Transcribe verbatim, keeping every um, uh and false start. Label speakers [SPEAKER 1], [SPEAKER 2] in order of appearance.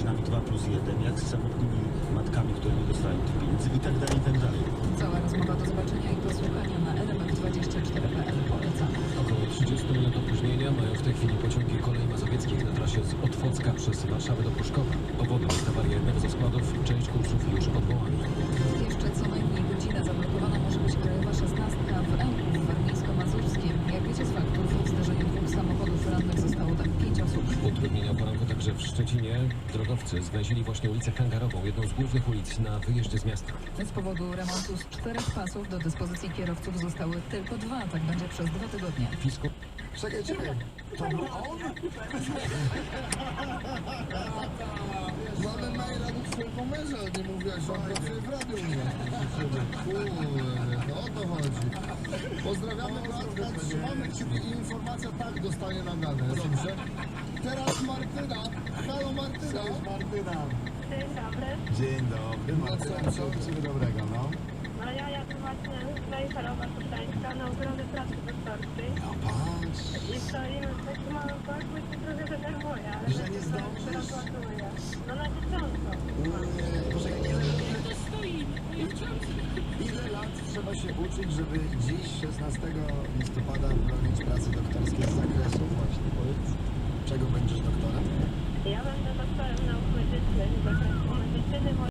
[SPEAKER 1] rodzinami dwa plus jeden, jak z samotnymi matkami, które nie dostają tych pieniędzy i tak dalej, i tak dalej.
[SPEAKER 2] Cała rozmowa do zobaczenia i posłuchania na element dwadzieścia cztery kropka p l. Polecamy.
[SPEAKER 3] Około trzydzieści minut opóźnienia mają w tej chwili pociągi kolei mazowieckich na trasie z Otwocka przez Warszawę do Pruszkowa. Powodem jest awaria jednego ze składów, część kursów już odwołana.
[SPEAKER 2] Jeszcze co najmniej godzinę zablokowana może być krajowa szesnastka w Ełku w Warmińsko-Mazurskim. Jak wiecie z faktów, w zdarzeniu dwóch samochodów rannych zostało tam pięć osób.
[SPEAKER 3] Utrudnienia o poranku także w Szczecinie. Drogowcy zwęzili właśnie ulicę Hangarową, jedną z głównych ulic na wyjeździe z miasta.
[SPEAKER 2] Z powodu remontu z czterech pasów do dyspozycji kierowców zostały tylko dwa. Tak będzie przez dwa tygodnie.
[SPEAKER 3] Fisku...
[SPEAKER 4] Czekaj, czekaj. To był on? Mamy maila do twojego męża, nie mówiłaś, że on pracuje w radiu u mnie. Kurde, no o to chodzi. Pozdrawiamy Bartka, trzymamy kciuki i informacja tak dostanie naganę, dobrze? Teraz Martyna. Halo Martyna.
[SPEAKER 5] Cześć Martyna.
[SPEAKER 6] Dzień dobry.
[SPEAKER 5] Dzień dobry. Martyna, co u Ciebie dobrego, no?
[SPEAKER 6] No ja jadę właśnie z Wejherowa Kosztańska na ochronę pracy doktorskiej.
[SPEAKER 5] No patrz.
[SPEAKER 6] I stoimy w takim małym parku i się trochę denerwuję, ale
[SPEAKER 5] Że nie zdążysz?
[SPEAKER 6] rozładuję. No na dzieciątko.
[SPEAKER 5] Boże, ile, ile lat trzeba się uczyć, żeby dziś, szesnastego listopada, bronić pracy doktorskiej z zakresu właśnie? Powiedz, czego będziesz doktorem?
[SPEAKER 6] Ja będę doktorem nauk medycznych z zakresu medycyny.